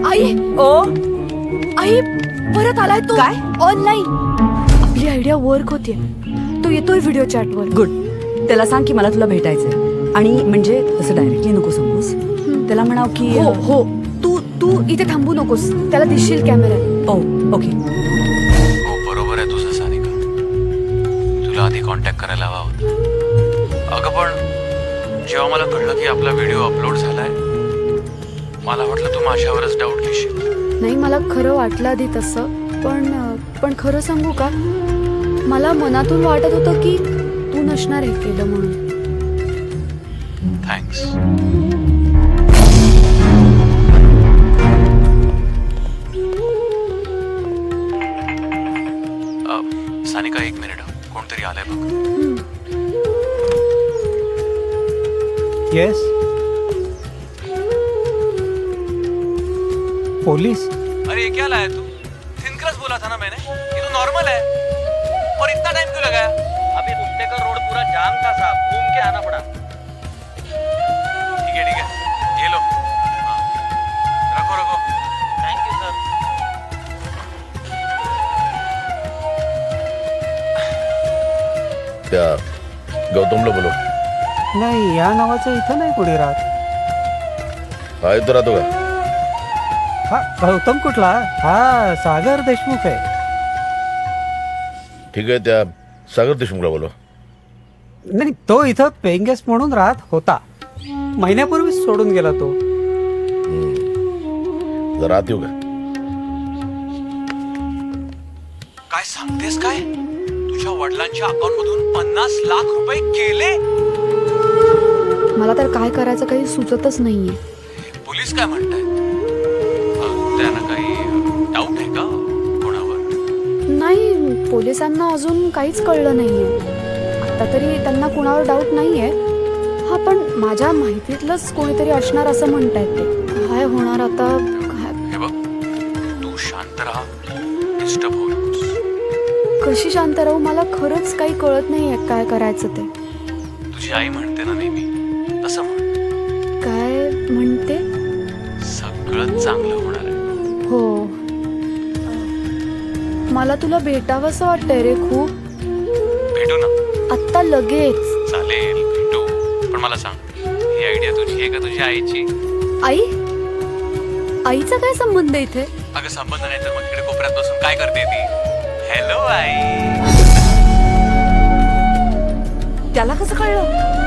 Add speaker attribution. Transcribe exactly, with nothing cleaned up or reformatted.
Speaker 1: आई
Speaker 2: ओ
Speaker 1: आई परत आलाय तो.
Speaker 2: काय?
Speaker 1: ऑनलाईन. आपली आयडिया वर्क होतीये. तो येतोय व्हिडिओ चॅटवर.
Speaker 2: गुड. त्याला सांग की मला तुला भेटायचंय. आणि म्हणजे तसं डायरेक्टली नको सांगूस. त्याला म्हणाव की
Speaker 1: हो हो तू तू इथे थांबू नकोस. त्याला दिसशील कॅमेऱ्यात.
Speaker 2: ओ ओके.
Speaker 3: हो बरोबर आहे तुझं सानिका. तुला आधी कॉन्टॅक्ट करायला हवा होता. अगं पण जेव्हा मला कळलं की आपला व्हिडिओ अपलोड झालाय मला वाटलं तू माझ्यावरच डाऊट घेशील.
Speaker 1: नाही मला खरं वाटलं आधी तसं. पण पण खरं सांगू का मला मनातून वाटत होतं की तू नसणार हे केलं म्हणून.
Speaker 3: थँक्स. सानिका एक मिनिट कोणतरी आलंय बघ.
Speaker 4: Yes police.
Speaker 3: अरे ये क्या लाया तू? थिनक्रस बोला था ना मैंने. ये तो नॉर्मल है. और इतना टाइम क्यों लगाया?
Speaker 5: अभी रुकने का रोड पूरा जाम था साहब, घूम के आना पड़ा.
Speaker 3: ठीक है ठीक है ये लो. हाँ. रखो रखो.
Speaker 5: Thank you sir.
Speaker 6: त्या गौतमला बोलो.
Speaker 4: नाही या नावाचं इथं नाही कोणी राहत.
Speaker 6: हा इथं राहतो का?
Speaker 4: हा गौतम कुठला? हा सागर देशमुख आहे.
Speaker 6: ठीक आहे त्या सागर देशमुखला बोलो.
Speaker 4: नाही तो इथं पेइंग गेस्ट म्हणून राहत होता. महिन्यापूर्वीच सोडून गेला तो.
Speaker 6: जरा आत येऊ का?
Speaker 3: काय सांगतेस काय? तुझ्या वडिलांच्या अकाउंट मधून पन्नास लाख रुपये गेले.
Speaker 1: मला तर काय करायचं काही सुचतच नाहीये.
Speaker 3: पोलीस काय म्हणतायत? अं, त्यांना काही डाऊट आहे का कोणावर?
Speaker 1: नाही पोलिसांना अजून काहीच कळलं नाहीये. आता तरी त्यांना कुणावर डाऊट नाहीये. हा पण माझ्या माहितीतलंच कोणीतरी असणार असं म्हणतायत ते. काय होणार आता काय?
Speaker 3: हे बघ तू शांत राहा. डिस्टर्ब होऊ नकोस.
Speaker 1: कशी शांत राहू? मला खरंच काही कळत नाहीये काय करायचं ते.
Speaker 3: तुझी आई म्हणते ना नेहमी तसं म्हण.
Speaker 1: काय म्हणते?
Speaker 3: सगळं चांगलं होणार आहे.
Speaker 1: हो मला तुला भेटावंसं वाटतंय रे खूप.
Speaker 3: भेटू ना.
Speaker 1: आत्ता लगेच.
Speaker 3: चालेल भेटू. पण मला सांग ही आयडिया तुझी आहे का तुझ्या आईची?
Speaker 1: आई आईचा काय संबंध आहे इथे?
Speaker 3: अगं संबंध नाही तर मग इकडे कोपऱ्यात बसून काय करते ती? हॅलो आई.
Speaker 2: त्याला कसं कळलं?